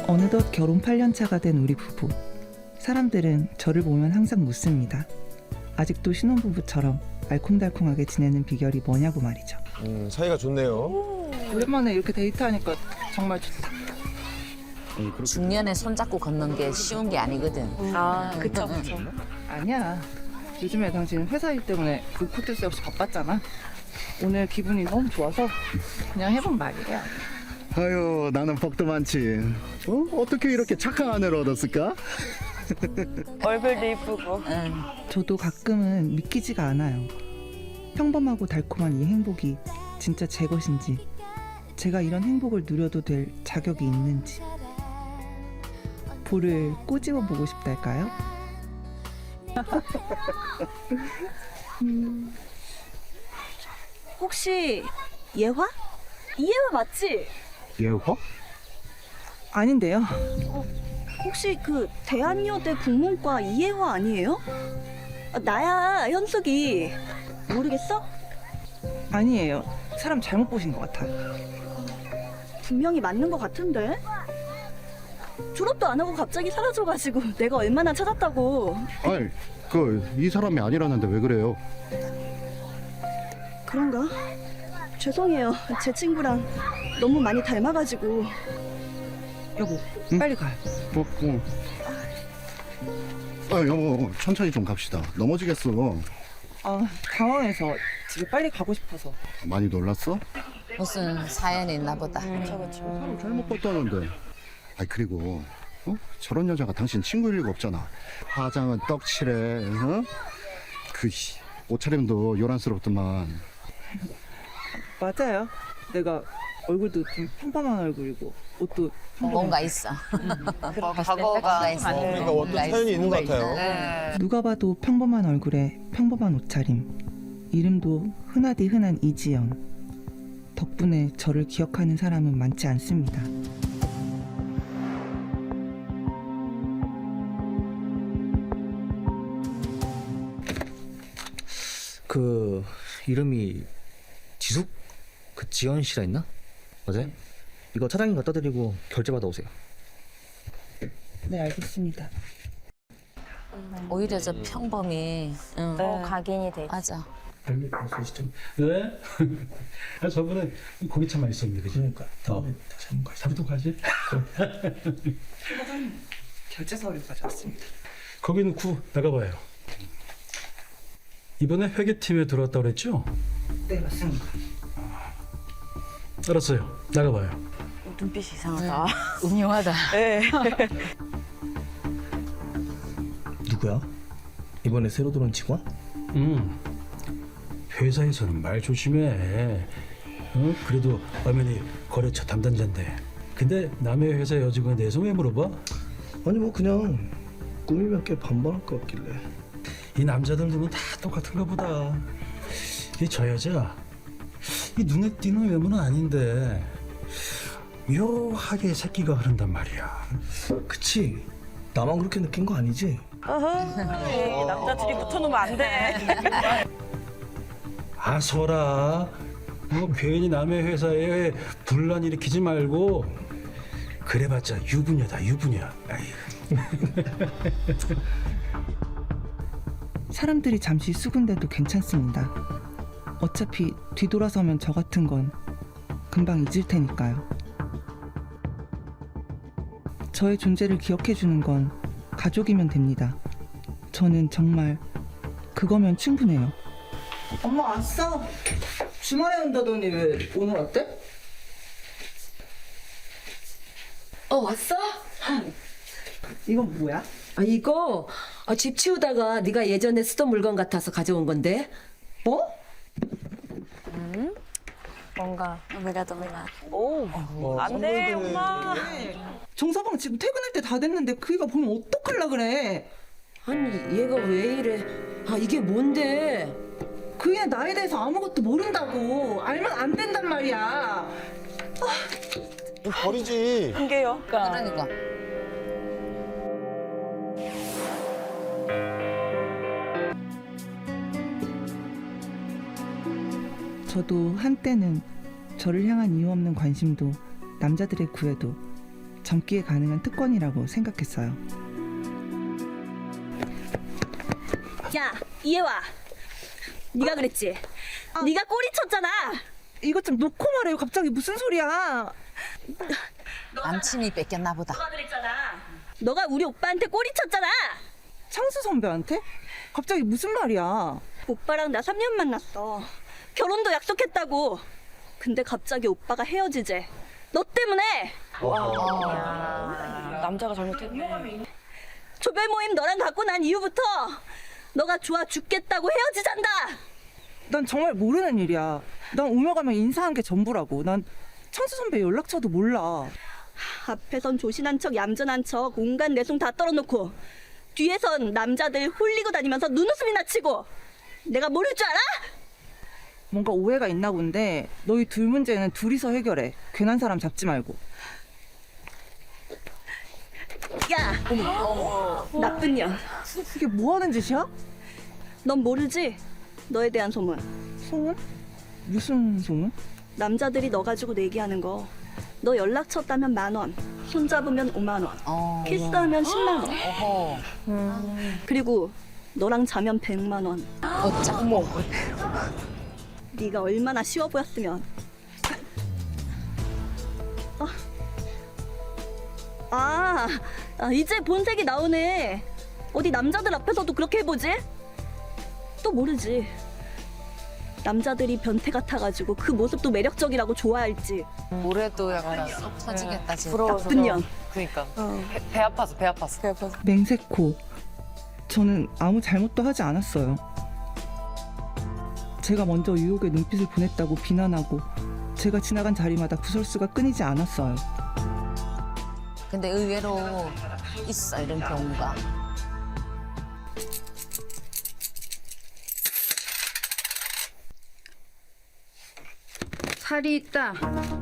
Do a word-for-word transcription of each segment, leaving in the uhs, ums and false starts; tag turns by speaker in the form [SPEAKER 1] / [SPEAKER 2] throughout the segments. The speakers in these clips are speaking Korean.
[SPEAKER 1] 어느덧 결혼 팔 년 차가 된 우리 부부. 사람들은 저를 보면 항상 묻습니다. 아직도 신혼부부처럼 알콩달콩하게 지내는 비결이 뭐냐고 말이죠.
[SPEAKER 2] 음, 사이가 좋네요.
[SPEAKER 1] 오랜만에 이렇게 데이트하니까 정말 좋다.
[SPEAKER 3] 중년에 손잡고 걷는 게 쉬운 게 아니거든.
[SPEAKER 4] 아, 그쵸, 그쵸.
[SPEAKER 1] 아니야. 요즘에 당신 회사 일 때문에 그 코트 수 없이 바빴잖아. 오늘 기분이 너무 좋아서 그냥 해본 말이야.
[SPEAKER 5] 아유, 나는 복도 많지. 어? 어떻게 이렇게 착한 아내를 얻었을까?
[SPEAKER 4] 얼굴도 이쁘고.
[SPEAKER 3] 응.
[SPEAKER 1] 저도 가끔은 믿기지가 않아요. 평범하고 달콤한 이 행복이 진짜 제 것인지, 제가 이런 행복을 누려도 될 자격이 있는지. 볼을 꼬집어 보고 싶달까요?
[SPEAKER 4] 음, 혹시 예화? 이예화 맞지?
[SPEAKER 5] 예화?
[SPEAKER 1] 아닌데요.
[SPEAKER 4] 혹시 그 대한여대 국문과 이예화 아니에요? 아, 나야, 현숙이. 모르겠어?
[SPEAKER 1] 아니에요. 사람 잘못 보신 것 같아요.
[SPEAKER 4] 분명히 맞는 것 같은데? 졸업도 안 하고 갑자기 사라져가지고 내가 얼마나 찾았다고.
[SPEAKER 5] 아이, 그 이 사람이 아니라는데 왜 그래요?
[SPEAKER 4] 그런가? 죄송해요. 제 친구랑 너무 많이 닮아가지고.
[SPEAKER 1] 여보,
[SPEAKER 5] 응?
[SPEAKER 1] 빨리 가요.
[SPEAKER 5] 어, 어. 아, 여보, 천천히 좀 갑시다. 넘어지겠어.
[SPEAKER 1] 아, 당황해서 집에 빨리 가고 싶어서.
[SPEAKER 5] 많이 놀랐어?
[SPEAKER 3] 무슨 사연이 있나 보다.
[SPEAKER 4] 그쵸, 그쵸.
[SPEAKER 5] 사람 잘못 봤다는데. 아, 그리고 어? 저런 여자가 당신 친구일 리가 없잖아. 화장은 떡칠해, 어? 그 씨, 옷차림도 요란스럽더만.
[SPEAKER 1] 맞아요. 내가 얼굴도 좀 평범한 얼굴이고 옷도 평범한
[SPEAKER 3] 뭔가 있어.
[SPEAKER 4] 과거가
[SPEAKER 3] 뭔가 있어.
[SPEAKER 2] 어, 그러니까 어떤
[SPEAKER 3] 뭔가
[SPEAKER 2] 사연이 있는 것
[SPEAKER 3] 뭔가
[SPEAKER 2] 같아요.
[SPEAKER 3] 있어.
[SPEAKER 1] 누가 봐도 평범한 얼굴에 평범한 옷차림. 이름도 흔하디 흔한 이지연. 덕분에 저를 기억하는 사람은 많지 않습니다.
[SPEAKER 6] 그 이름이 지숙? 그 지연 씨라 했나? 맞아요? 이거 차장님 갖다 드리고 결제 받아오세요.
[SPEAKER 1] 네, 알겠습니다.
[SPEAKER 3] 오히려 저 평범이. 응.
[SPEAKER 4] 네.
[SPEAKER 7] 각인이 돼.
[SPEAKER 3] 맞아.
[SPEAKER 8] 별미 방송시점. 네? 아, 저번에 고기차만 있었는데, 그지? 그러니까. 더, 다시 한번 가지. 다음부터 가지?
[SPEAKER 1] 결제 서류 가져왔습니다.
[SPEAKER 8] 거기는 구 나가봐요. 이번에 회계팀에 들어왔다고 그랬죠?
[SPEAKER 1] 네, 맞습니다.
[SPEAKER 8] 알았어요. 나가봐요.
[SPEAKER 4] 눈빛이 이상하다.
[SPEAKER 3] 음흉하다.
[SPEAKER 4] 네.
[SPEAKER 6] 누구야? 이번에 새로 들어온 직원?
[SPEAKER 8] 음. 회사에서는 말 조심해. 어? 그래도 엄연히 거래처 담당자인데. 근데 남의 회사 여직원에 대해서 왜 물어봐?
[SPEAKER 6] 아니 뭐 그냥 꾸미면 꽤 반반할 것 같길래.
[SPEAKER 8] 이 남자들 눈은 다 똑같은가 보다. 이 저 여자 이 눈에 띄는 외모는 아닌데 묘하게 새끼가 흐른단 말이야.
[SPEAKER 6] 그치? 나만 그렇게 느낀 거 아니지?
[SPEAKER 4] 어허, 남자들이 붙어놓으면 안 돼.
[SPEAKER 8] 아서라. 뭐 괜히 남의 회사에 분란 일으키지 말고. 그래봤자 유부녀다 유부녀. 아이.
[SPEAKER 1] 사람들이 잠시 수군대도 괜찮습니다. 어차피 뒤돌아서면 저 같은 건 금방 잊을 테니까요. 저의 존재를 기억해주는 건 가족이면 됩니다. 저는 정말 그거면 충분해요. 엄마 왔어? 주말에 온다더니 왜 오늘 왔대?
[SPEAKER 9] 어, 왔어?
[SPEAKER 1] 이건 뭐야?
[SPEAKER 9] 아, 이거 아, 집 치우다가 네가 예전에 쓰던 물건 같아서 가져온 건데.
[SPEAKER 1] 뭐?
[SPEAKER 7] 뭔가 아무래도 몰라.
[SPEAKER 4] 오, 안 돼, 엄마.
[SPEAKER 1] 정서방 지금 퇴근할 때 다 됐는데 그이가 보면 어떡하려 그래?
[SPEAKER 9] 아니, 얘가 왜 이래? 아, 이게 뭔데?
[SPEAKER 1] 그이는 나에 대해서 아무것도 모른다고. 알면 안 된단 말이야.
[SPEAKER 2] 버리지.
[SPEAKER 4] 한 개요.
[SPEAKER 3] 그러니까.
[SPEAKER 1] 저도 한때는 저를 향한 이유 없는 관심도 남자들의 구애도 젊기에 가능한 특권이라고 생각했어요.
[SPEAKER 4] 야, 이해와. 네가 그랬지. 네가 꼬리 쳤잖아.
[SPEAKER 1] 이것 좀 놓고 말해요. 갑자기 무슨 소리야?
[SPEAKER 3] 남친이 뺏겼나 보다.
[SPEAKER 4] 너가 그랬잖아. 너가 우리 오빠한테 꼬리 쳤잖아.
[SPEAKER 1] 창수 선배한테? 갑자기 무슨 말이야?
[SPEAKER 4] 오빠랑 나 삼 년 만났어. 결혼도 약속했다고. 근데 갑자기 오빠가 헤어지재. 너 때문에.
[SPEAKER 7] 남자가 잘못했네.
[SPEAKER 4] 조별 모임 너랑 갖고 난 이후부터 너가 좋아 죽겠다고 헤어지잔다.
[SPEAKER 1] 난 정말 모르는 일이야. 난 오며 가며 인사한 게 전부라고. 난 창수 선배 연락처도 몰라.
[SPEAKER 4] 앞에선 조신한 척 얌전한 척 온갖 내숭 다 떨어놓고 뒤에선 남자들 홀리고 다니면서 눈웃음이나 치고 내가 모를 줄 알아?
[SPEAKER 1] 뭔가 오해가 있나 본데 너희 둘 문제는 둘이서 해결해. 괜한 사람 잡지 말고.
[SPEAKER 4] 야, 나쁜 년.
[SPEAKER 1] 이게 뭐 하는 짓이야?
[SPEAKER 4] 넌 모르지? 너에 대한 소문.
[SPEAKER 1] 소문? 무슨 소문?
[SPEAKER 4] 남자들이 너 가지고 내기하는 거. 너 연락처 따면 만 원, 손 잡으면 오만 원,
[SPEAKER 3] 어.
[SPEAKER 4] 키스하면 십만 원.
[SPEAKER 3] 어허.
[SPEAKER 4] 그리고 너랑 자면 백만 원.
[SPEAKER 3] 어짜. 어머.
[SPEAKER 4] 네가 얼마나 쉬워 보였으면. 아, 아, 아, 이제 본색이 나오네. 어디 남자들 앞에서도 그렇게 해보지? 또 모르지. 남자들이 변태 같아가지고 그 모습도 매력적이라고 좋아할지.
[SPEAKER 3] 올해도 약간 쏙 터지겠다 진짜.
[SPEAKER 7] 부러워서.
[SPEAKER 4] 나쁜 년.
[SPEAKER 7] 그니까.
[SPEAKER 4] 어.
[SPEAKER 7] 배, 배 아파서, 배 아파서. 배 아파서.
[SPEAKER 1] 맹세코. 저는 아무 잘못도 하지 않았어요. 제가 먼저 유혹의 눈빛을 보냈다고 비난하고 제가 지나간 자리마다 구설수가 끊이지 않았어요.
[SPEAKER 3] 근데 의외로 있어 이런 경우가.
[SPEAKER 10] 살이 있다.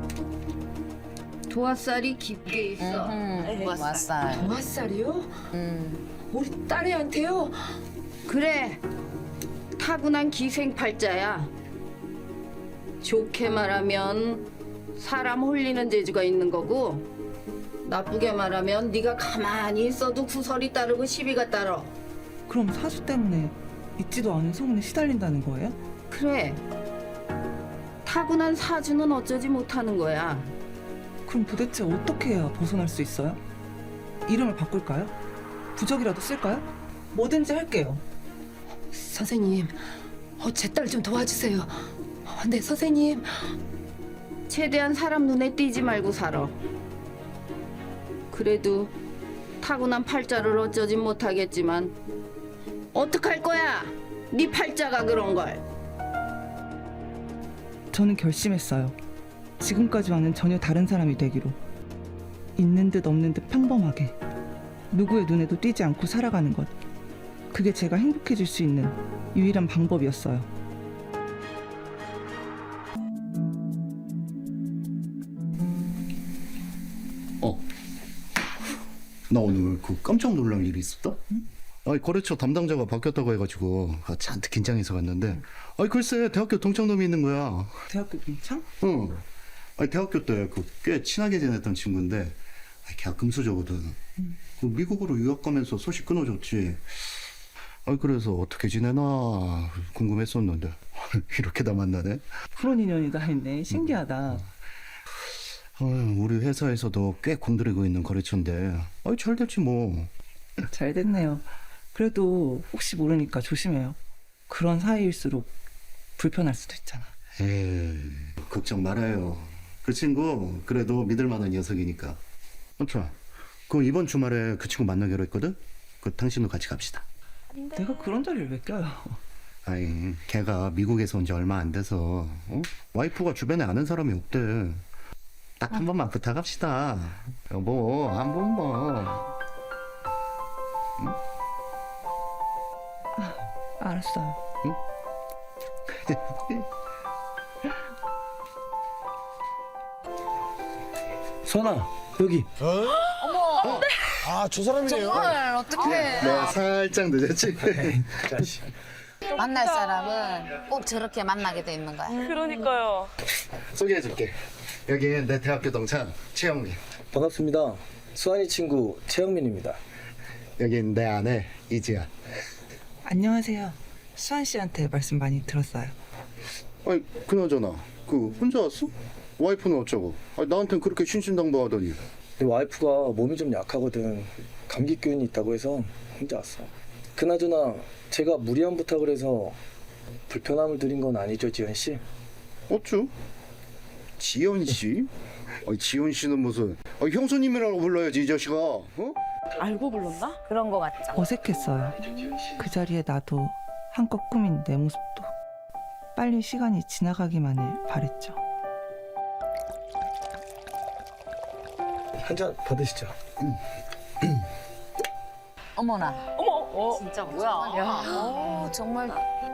[SPEAKER 10] 도화살이 깊게 있어.
[SPEAKER 3] 음, 왔살.
[SPEAKER 10] 도화살이요?
[SPEAKER 3] 음.
[SPEAKER 10] 우리 딸애한테요? 그래. 타고난 기생팔자야. 좋게 말하면 사람 홀리는 재주가 있는 거고, 나쁘게 말하면 네가 가만히 있어도 구설이 따르고 시비가 따러.
[SPEAKER 1] 그럼 사수 때문에 있지도 않은 소문에 시달린다는 거예요?
[SPEAKER 10] 그래. 타고난 사주는 어쩌지 못하는 거야.
[SPEAKER 1] 그럼 도대체 어떻게 해야 벗어날 수 있어요? 이름을 바꿀까요? 부적이라도 쓸까요? 뭐든지 할게요.
[SPEAKER 10] 선생님, 어, 제 딸 좀 도와주세요. 어, 네, 선생님. 최대한 사람 눈에 띄지 말고 살아. 그래도 타고난 팔자를 어쩌진 못하겠지만 어떡할 거야? 네 팔자가 그런 걸.
[SPEAKER 1] 저는 결심했어요. 지금까지와는 전혀 다른 사람이 되기로. 있는 듯 없는 듯 평범하게. 누구의 눈에도 띄지 않고 살아가는 것. 그게 제가 행복해질 수 있는 유일한 방법이었어요.
[SPEAKER 5] 어. 나 오늘 그 깜짝 놀랄 일이 있었다. 아니 거래처 담당자가 바뀌었다고 해가지고 아, 잔뜩 긴장해서 갔는데, 아니 글쎄 대학교 동창놈이 있는 거야.
[SPEAKER 1] 대학교 동창?
[SPEAKER 5] 응. 아니 대학교 때 그 꽤 친하게 지냈던 친구인데, 아니 걔가 금수저거든.
[SPEAKER 1] 음.
[SPEAKER 5] 그 미국으로 유학 가면서 소식 끊어줬지. 아니 그래서 어떻게 지내나 궁금했었는데 이렇게 다 만나네.
[SPEAKER 1] 그런 인연이 다 있네. 신기하다.
[SPEAKER 5] 어, 우리 회사에서도 꽤 공들이고 있는 거래처인데, 아니 잘 될지 뭐.
[SPEAKER 1] 잘 됐네요. 그래도 혹시 모르니까 조심해요. 그런 사이일수록 불편할 수도 있잖아.
[SPEAKER 5] 에이, 걱정 말아요. 그 친구 그래도 믿을 만한 녀석이니까. 아차, 그 이번 주말에 그 친구 만나기로 했거든? 그 당신도 같이 갑시다.
[SPEAKER 1] 내가 그런 자리를 왜 껴요?
[SPEAKER 5] 아니, 걔가 미국에서 온 지 얼마 안 돼서 어? 와이프가 주변에 아는 사람이 없대. 딱 한 번만 부탁합시다. 여보, 한 번만. 응?
[SPEAKER 1] 알았어요.
[SPEAKER 8] 선아, 여기.
[SPEAKER 2] 어머. 아, 저 사람이네요.
[SPEAKER 3] 정말 어떡해.
[SPEAKER 5] 내가 살짝 늦었지?
[SPEAKER 8] 자식.
[SPEAKER 3] 만날 사람은 꼭 저렇게 만나게 돼 있는 거야.
[SPEAKER 7] 그러니까요.
[SPEAKER 5] 소개해줄게. 여기 내 대학교 동창 최영민.
[SPEAKER 6] 반갑습니다. 수환이 친구 최영민입니다.
[SPEAKER 5] 여긴 내 아내 이지연.
[SPEAKER 1] 안녕하세요. 수환 씨한테 말씀 많이 들었어요.
[SPEAKER 5] 아니 그나저나 그 혼자 왔어? 와이프는 어쩌고? 아니, 나한텐 그렇게 신신당부하더니.
[SPEAKER 6] 내 와이프가 몸이 좀 약하거든. 감기 기운이 있다고 해서 혼자 왔어. 그나저나 제가 무리한 부탁을 해서 불편함을 드린 건 아니죠, 지연 씨?
[SPEAKER 5] 어쭈? 지연 씨? 아니 지연 씨는 무슨 아, 형수님이라고 불러야지 이 자식아. 어?
[SPEAKER 7] 알고 불렀나?
[SPEAKER 3] 그런 거 같죠.
[SPEAKER 1] 어색했어요. 그 자리에 나도 한껏 꾸민 내 모습도 빨리 시간이 지나가기만을 바랬죠.
[SPEAKER 6] 한 잔 받으시죠.
[SPEAKER 3] 어머나.
[SPEAKER 7] 어머.
[SPEAKER 3] 진짜 뭐야? 야.
[SPEAKER 7] 정말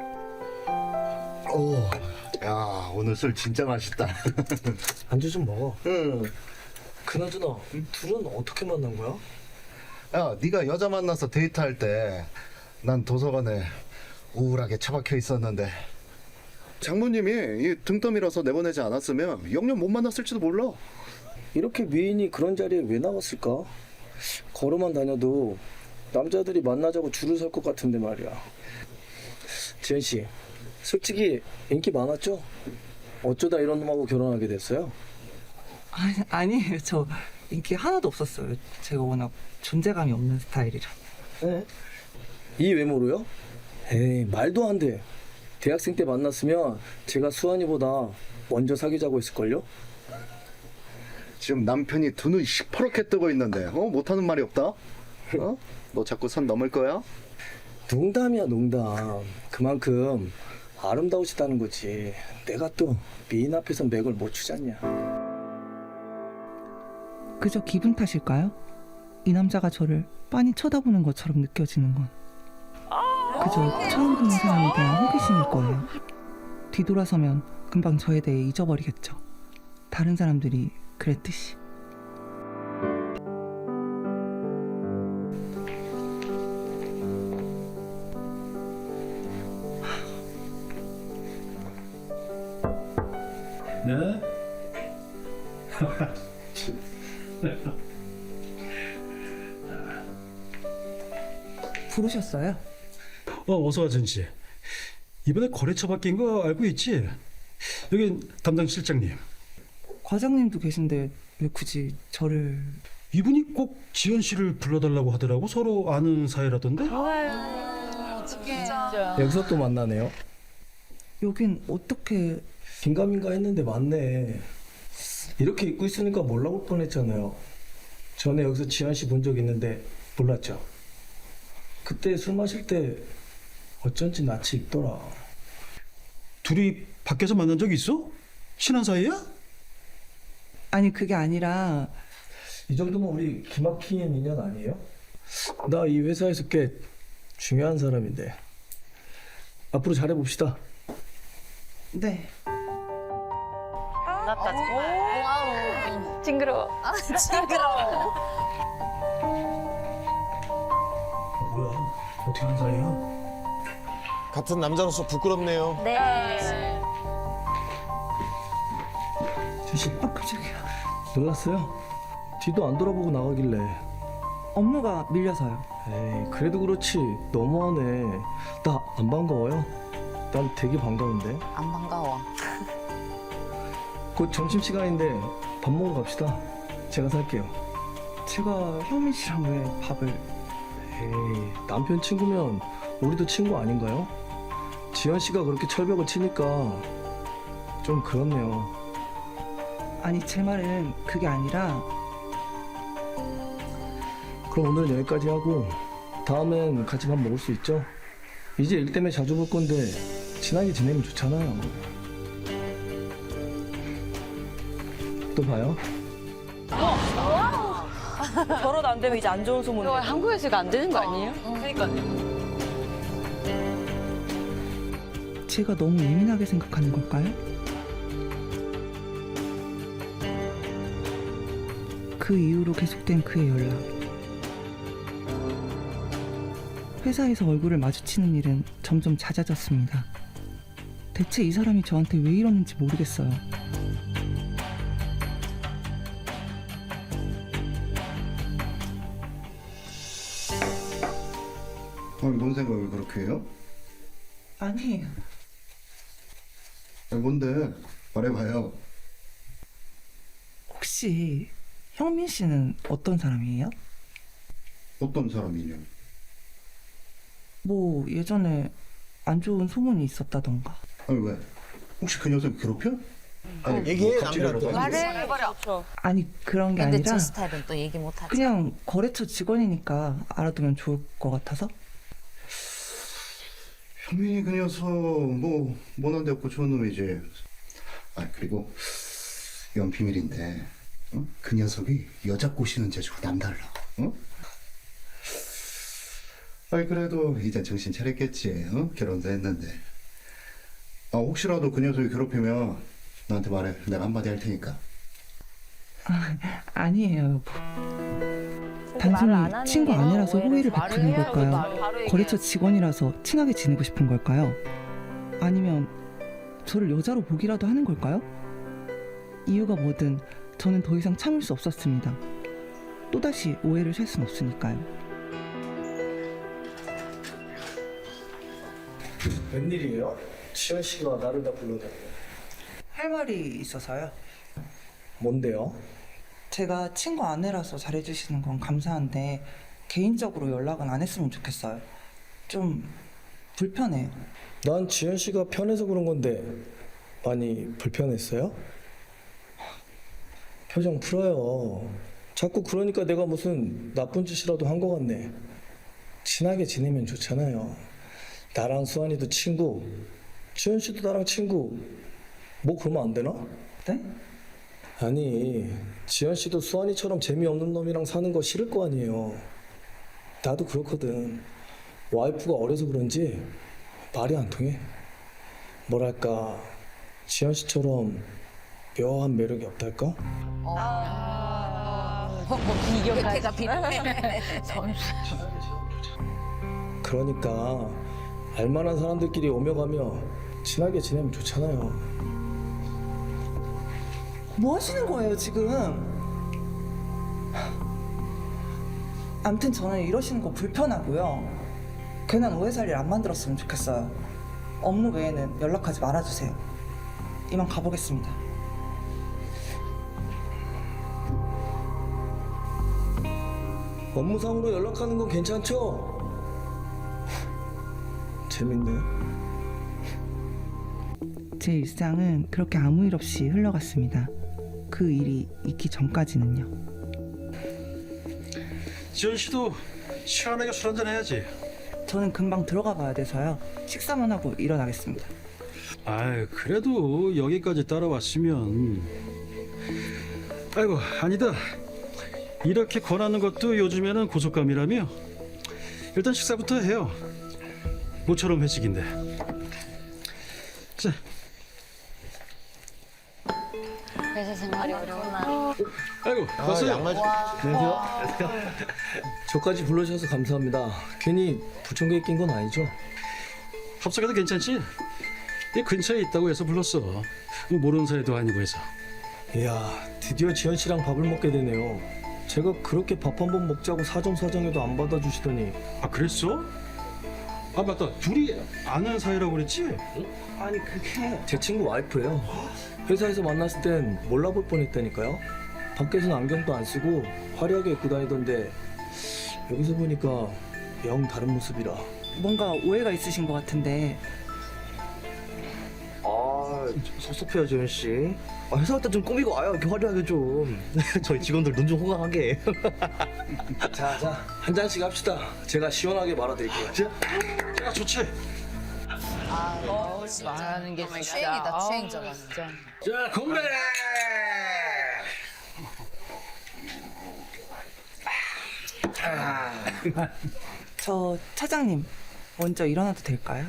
[SPEAKER 5] 오, 야 오늘 술 진짜 맛있다.
[SPEAKER 6] 안주 좀 먹어.
[SPEAKER 5] 응.
[SPEAKER 6] 그나저나 둘은 어떻게 만난 거야?
[SPEAKER 5] 야, 네가 여자 만나서 데이트할 때 난 도서관에 우울하게 처박혀 있었는데 장모님이 이 등떠밀어서 내보내지 않았으면 영영 못 만났을지도 몰라.
[SPEAKER 6] 이렇게 미인이 그런 자리에 왜 나왔을까? 걸어만 다녀도 남자들이 만나자고 줄을 설 것 같은데 말이야. 지현 씨, 솔직히 인기 많았죠? 어쩌다 이런 놈하고 결혼하게 됐어요?
[SPEAKER 1] 아니, 아니에요. 저 인기 하나도 없었어요. 제가 워낙 존재감이 없는 스타일이라.
[SPEAKER 6] 네? 이 외모로요? 에이, 말도 안 돼. 대학생 때 만났으면 제가 수환이보다 먼저 사귀자고 했을걸요?
[SPEAKER 5] 지금 남편이 두 눈 시퍼렇게 뜨고 있는데 어 못하는 말이 없다. 어? 너 자꾸 선 넘을 거야?
[SPEAKER 6] 농담이야, 농담. 그만큼 아름다우시다는 거지. 내가 또 미인 앞에서 맥을 못 추잖냐.
[SPEAKER 1] 그저 기분 탓일까요? 이 남자가 저를 빤히 쳐다보는 것처럼 느껴지는 건 그저 처음 보는 사람에 대한 호기심일 거예요. 뒤돌아서면 금방 저에 대해 잊어버리겠죠. 다른 사람들이 그랬듯이.
[SPEAKER 8] 네?
[SPEAKER 1] 부르셨어요?
[SPEAKER 8] 어, 어서 와, 전씨. 이번에 거래처 바뀐 거 알고 있지? 여긴 담당 실장님.
[SPEAKER 1] 과장님도 계신데 왜 굳이 저를...
[SPEAKER 8] 이분이 꼭 지연 씨를 불러달라고 하더라고. 서로 아는 사이라던데?
[SPEAKER 6] 여기서 또 만나네요.
[SPEAKER 1] 여긴 어떻게...
[SPEAKER 6] 긴가민가 했는데 맞네. 이렇게 입고 있으니까 몰라볼 뻔했잖아요. 전에 여기서 지한 씨 본 적 있는데 몰랐죠? 그때 술 마실 때 어쩐지 낯이 익더라.
[SPEAKER 8] 둘이 밖에서 만난 적 있어? 친한 사이야?
[SPEAKER 1] 아니 그게 아니라...
[SPEAKER 6] 이 정도면 우리 기막힌 인연 아니에요? 나 이 회사에서 꽤 중요한 사람인데 앞으로 잘해봅시다.
[SPEAKER 1] 네.
[SPEAKER 7] 났다 정말. 징그러워.
[SPEAKER 3] 징그러워.
[SPEAKER 8] 뭐야? 어떻게 하는 사이야?
[SPEAKER 2] 같은 남자로서 부끄럽네요.
[SPEAKER 3] 네.
[SPEAKER 6] 주씨
[SPEAKER 1] 아 깜짝이야.
[SPEAKER 6] 놀랐어요? 뒤도 안 돌아보고 나가길래.
[SPEAKER 1] 업무가 밀려서요.
[SPEAKER 6] 에이, 그래도 그렇지 너무하네. 나 안 반가워요? 난 되게 반가운데.
[SPEAKER 3] 안 반가워.
[SPEAKER 6] 곧 점심시간인데 밥 먹으러 갑시다. 제가 살게요.
[SPEAKER 1] 제가 현민 씨랑 왜 밥을...
[SPEAKER 6] 에이, 남편 친구면 우리도 친구 아닌가요? 지연 씨가 그렇게 철벽을 치니까 좀 그렇네요.
[SPEAKER 1] 아니 제 말은 그게 아니라...
[SPEAKER 6] 그럼 오늘은 여기까지 하고 다음엔 같이 밥 먹을 수 있죠? 이제 일 때문에 자주 볼 건데 친하게 지내면 좋잖아요. 또 봐요.
[SPEAKER 7] 결혼 안 되면 이제 안 좋은 소문. 한국에서 이거 안 되는 거 아니에요? 그러니까요.
[SPEAKER 1] 제가 너무 예민하게 생각하는 걸까요? 그 이후로 계속된 그의 연락. 회사에서 얼굴을 마주치는 일은 점점 잦아졌습니다. 대체 이 사람이 저한테 왜 이러는지 모르겠어요.
[SPEAKER 5] 아니, 뭔 생각을 그렇게 해요?
[SPEAKER 1] 아니,
[SPEAKER 5] 아니, 뭔데? 말해봐요.
[SPEAKER 1] 혹시 형민 씨는 어떤 사람이에요?
[SPEAKER 5] 어떤 사람이냐?
[SPEAKER 1] 뭐 예전에 안 좋은 소문이 있었다던가.
[SPEAKER 5] 아니, 왜? 혹시 그 녀석 괴롭혀? 아니,
[SPEAKER 2] 얘기해,
[SPEAKER 5] 뭐 갑자기
[SPEAKER 2] 남이라도.
[SPEAKER 5] 연락하는 거야?
[SPEAKER 7] 해버려. 그렇죠.
[SPEAKER 1] 아니 그런 게
[SPEAKER 3] 근데
[SPEAKER 1] 아니라
[SPEAKER 3] 제 스타일은 또 얘기 못하지.
[SPEAKER 1] 그냥 거래처 직원이니까 알아두면 좋을 것 같아서.
[SPEAKER 5] 현민이 그 녀석 뭐 모난데 없고 좋은 놈이지. 아 그리고 이건 비밀인데 어? 그 녀석이 여자 꼬시는 재주가 남달라. 어? 아이 그래도 이제 정신 차렸겠지. 어? 결혼도 했는데. 아 혹시라도 그 녀석이 괴롭히면 나한테 말해. 내가 한마디 할 테니까.
[SPEAKER 1] 아니에요 여보.
[SPEAKER 7] 말을 안
[SPEAKER 1] 단순히
[SPEAKER 7] 하는
[SPEAKER 1] 친구
[SPEAKER 7] 게
[SPEAKER 1] 아니라서
[SPEAKER 7] 오해를
[SPEAKER 1] 호의를
[SPEAKER 7] 말을
[SPEAKER 1] 베푸는
[SPEAKER 7] 해야
[SPEAKER 1] 걸까요?
[SPEAKER 7] 바로- 바로 얘기해요.
[SPEAKER 1] 거래처 직원이라서 친하게 지내고 싶은 걸까요? 아니면 저를 여자로 보기라도 하는 걸까요? 이유가 뭐든 저는 더 이상 참을 수 없었습니다. 또다시 오해를 살 순 없으니까요.
[SPEAKER 6] 웬일이에요? 지현 씨가 나를 다 불러다녀.
[SPEAKER 1] 할 말이 있어서요.
[SPEAKER 6] 뭔데요?
[SPEAKER 1] 제가 친구 아내라서 잘해주시는 건 감사한데 개인적으로 연락은 안 했으면 좋겠어요. 좀 불편해요.
[SPEAKER 6] 난 지현 씨가 편해서 그런 건데 많이 불편했어요? 표정 풀어요. 자꾸 그러니까 내가 무슨 나쁜 짓이라도 한 것 같네. 친하게 지내면 좋잖아요. 나랑 수환이도 친구, 지현 씨도 나랑 친구. 뭐 그러면 안 되나?
[SPEAKER 1] 네?
[SPEAKER 6] 아니, 지현 씨도 수환이처럼 재미없는 놈이랑 사는 거 싫을 거 아니에요. 나도 그렇거든. 와이프가 어려서 그런지 말이 안 통해. 뭐랄까, 지현 씨처럼 묘한 매력이 없달까?
[SPEAKER 3] 혜태가 필요해.
[SPEAKER 6] 그러니까 알만한 사람들끼리 오며 가며 친하게 지내면 좋잖아요.
[SPEAKER 1] 뭐 하시는 거예요 지금? 암튼 저는 이러시는 거 불편하고요. 괜한 오해살일 안 만들었으면 좋겠어요. 업무 외에는 연락하지 말아주세요. 이만 가보겠습니다.
[SPEAKER 6] 업무상으로 연락하는 건 괜찮죠? 재밌네.
[SPEAKER 1] 제 일상은 그렇게 아무 일 없이 흘러갔습니다. 그 일이 있기 전까지는요.
[SPEAKER 8] 지현 씨도 시원하게 술 한잔 해야지.
[SPEAKER 1] 저는 금방 들어가 봐야 돼서요. 식사만 하고 일어나겠습니다.
[SPEAKER 8] 아이 그래도 여기까지 따라왔으면. 아이고 아니다. 이렇게 권하는 것도 요즘에는 고속감이라며. 일단 식사부터 해요. 모처럼 회식인데. 자.
[SPEAKER 7] 회사 생활이 어려우나.
[SPEAKER 8] 아이고 왔어요.
[SPEAKER 2] 양말 좀.
[SPEAKER 6] 안녕하세요. 저까지 불러주셔서 감사합니다. 괜히 부천교에 낀 건 아니죠?
[SPEAKER 8] 합석해도 괜찮지? 이 근처에 있다고 해서 불렀어. 뭐 모르는 사이도 아니고 해서.
[SPEAKER 6] 이야, 드디어 지현 씨랑 밥을 먹게 되네요. 제가 그렇게 밥 한 번 먹자고 사정사정해도 안 받아주시더니.
[SPEAKER 8] 아 그랬어? 아 맞다. 둘이 아는 사이라고 그랬지?
[SPEAKER 1] 아니 그게
[SPEAKER 6] 제 친구 와이프예요. 회사에서 만났을 땐 몰라볼 뻔했다니까요. 밖에서는 안경도 안 쓰고 화려하게 입고 다니던데 여기서 보니까 영 다른 모습이라.
[SPEAKER 1] 뭔가 오해가 있으신 것 같은데
[SPEAKER 11] 아, 섭섭해요, 지현 씨. 아, 회사 갈 때 좀 꾸미고 와요, 이렇게 화려하게 좀. 저희 직원들 눈 좀 호강하게.
[SPEAKER 6] 자, 자, 한 잔씩 합시다. 제가 시원하게 말아드릴게요. 자.
[SPEAKER 8] 야 좋지.
[SPEAKER 3] 말하는 게 추행이다 추행 저거 진짜.
[SPEAKER 8] 자 건배.
[SPEAKER 1] 저 차장님 먼저 일어나도 될까요?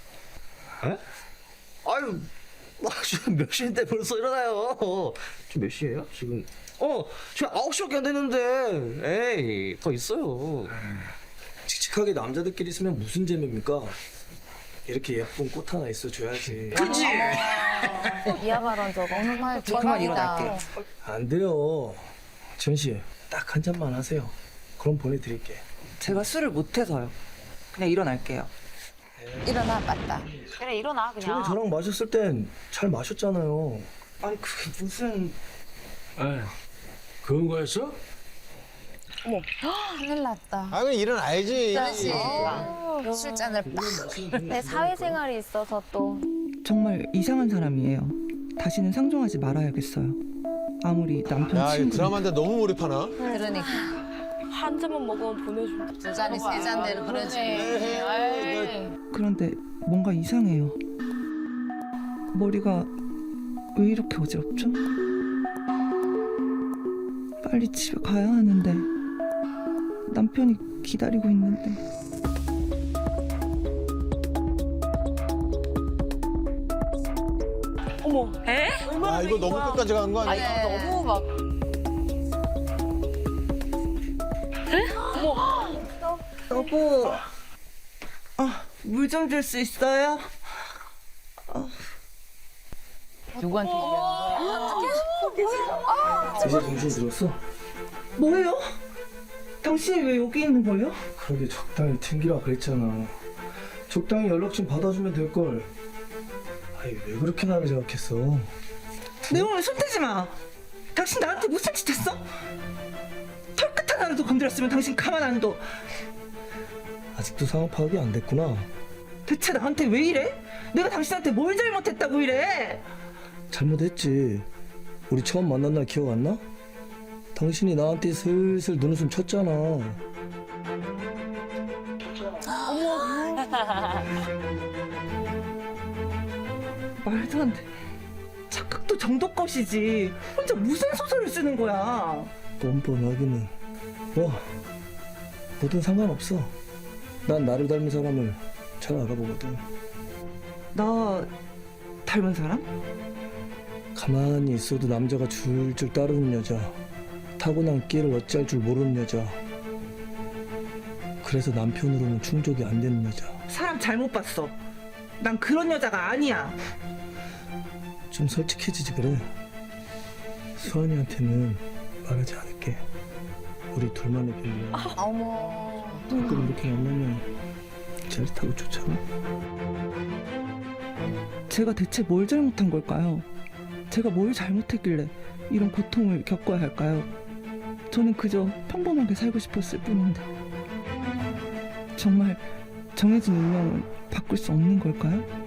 [SPEAKER 11] 아유, 아, 지금 몇 시인데 벌써 일어나요. 지금 몇 시예요? 지금. 어, 지금 아홉 시밖에 안 됐는데. 에이, 더 있어요.
[SPEAKER 6] 칙칙하게 남자들끼리 있으면 무슨 재미입니까? 이렇게 예쁜 꽃 하나 있어줘야지.
[SPEAKER 11] 그치?
[SPEAKER 7] 이하 발언 저거.
[SPEAKER 3] 오늘 말
[SPEAKER 1] 저 그만 일어날게요.
[SPEAKER 6] 안 돼요. 지현 씨, 딱 한 잔만 하세요. 그럼 보내드릴게.
[SPEAKER 1] 제가 술을 못해서요. 그냥 일어날게요.
[SPEAKER 3] 일어나 맞다.
[SPEAKER 7] 그래 일어나
[SPEAKER 6] 저는
[SPEAKER 7] 그냥.
[SPEAKER 6] 저랑 마셨을 땐 잘 마셨잖아요.
[SPEAKER 1] 아니 그게 무슨...
[SPEAKER 8] 에 그런 거였어?
[SPEAKER 3] 큰일 났다.
[SPEAKER 2] 아, 그럼 일어나야지.
[SPEAKER 3] 어, 술잔을 빡.
[SPEAKER 7] 내 사회생활이 있어서 또.
[SPEAKER 1] 정말 이상한 사람이에요. 다시는 상종하지 말아야겠어요. 아무리 남편
[SPEAKER 2] 야, 이
[SPEAKER 1] 친구...
[SPEAKER 2] 드라마인데 너무 몰입하나?
[SPEAKER 3] 그러니까
[SPEAKER 7] 한 잔만 먹으면 보내준다.
[SPEAKER 3] 두 잔이 세 잔대로 그러지.
[SPEAKER 1] 그런데 뭔가 이상해요. 머리가 왜 이렇게 어지럽죠? 빨리 집에 가야 하는데 남편이 기다리고 있는데
[SPEAKER 7] 어머. 에?
[SPEAKER 2] 아, 이거 너무 끝까지 간 거
[SPEAKER 7] 아
[SPEAKER 2] 아니야?
[SPEAKER 7] 이거 너무 막.
[SPEAKER 1] 여보, 아, 물 좀 줄 수 있어요?
[SPEAKER 3] 누구한테 얘기하는 거야?
[SPEAKER 6] 이제 정신 들었어?
[SPEAKER 1] 뭐예요? 당신이 왜 여기 있는 거예요?
[SPEAKER 6] 그러게 적당히 튕기라 그랬잖아. 적당히 연락 좀 받아주면 될걸. 아니 왜 그렇게 나를 생각했어?
[SPEAKER 1] 내 몸에 손대지 마. 당신 나한테 무슨 짓 했어? 털끝 하나라도 건드렸으면 당신 가만 안 둬.
[SPEAKER 6] 아직도 상황 파악이 안 됐구나.
[SPEAKER 1] 대체 나한테 왜 이래? 내가 당신한테 뭘 잘못했다고 이래?
[SPEAKER 6] 잘못했지. 우리 처음 만난 날 기억 안 나? 당신이 나한테 슬슬 눈웃음 쳤잖아.
[SPEAKER 1] 말도 안 돼. 착각도 정도 것이지. 혼자 무슨 소설을 쓰는 거야?
[SPEAKER 6] 뻔뻔하기는. 뭐 뭐든 상관없어. 난 나를 닮은 사람을 잘 알아보거든.
[SPEAKER 1] 나 닮은 사람?
[SPEAKER 6] 가만히 있어도 남자가 줄줄 따르는 여자. 타고난 끼를 어찌할 줄 모르는 여자. 그래서 남편으로는 충족이 안 되는 여자.
[SPEAKER 1] 사람 잘못 봤어. 난 그런 여자가 아니야.
[SPEAKER 6] 좀 솔직해지지 그래. 수환이한테는 말하지 않을게. 우리 둘만의 비밀이야.
[SPEAKER 3] 어머.
[SPEAKER 6] 가끔 이렇게 만나면 짜릿하고 좋잖아.
[SPEAKER 1] 제가 대체 뭘 잘못한 걸까요? 제가 뭘 잘못했길래 이런 고통을 겪어야 할까요? 저는 그저 평범하게 살고 싶었을 뿐인데. 정말 정해진 운명을 바꿀 수 없는 걸까요?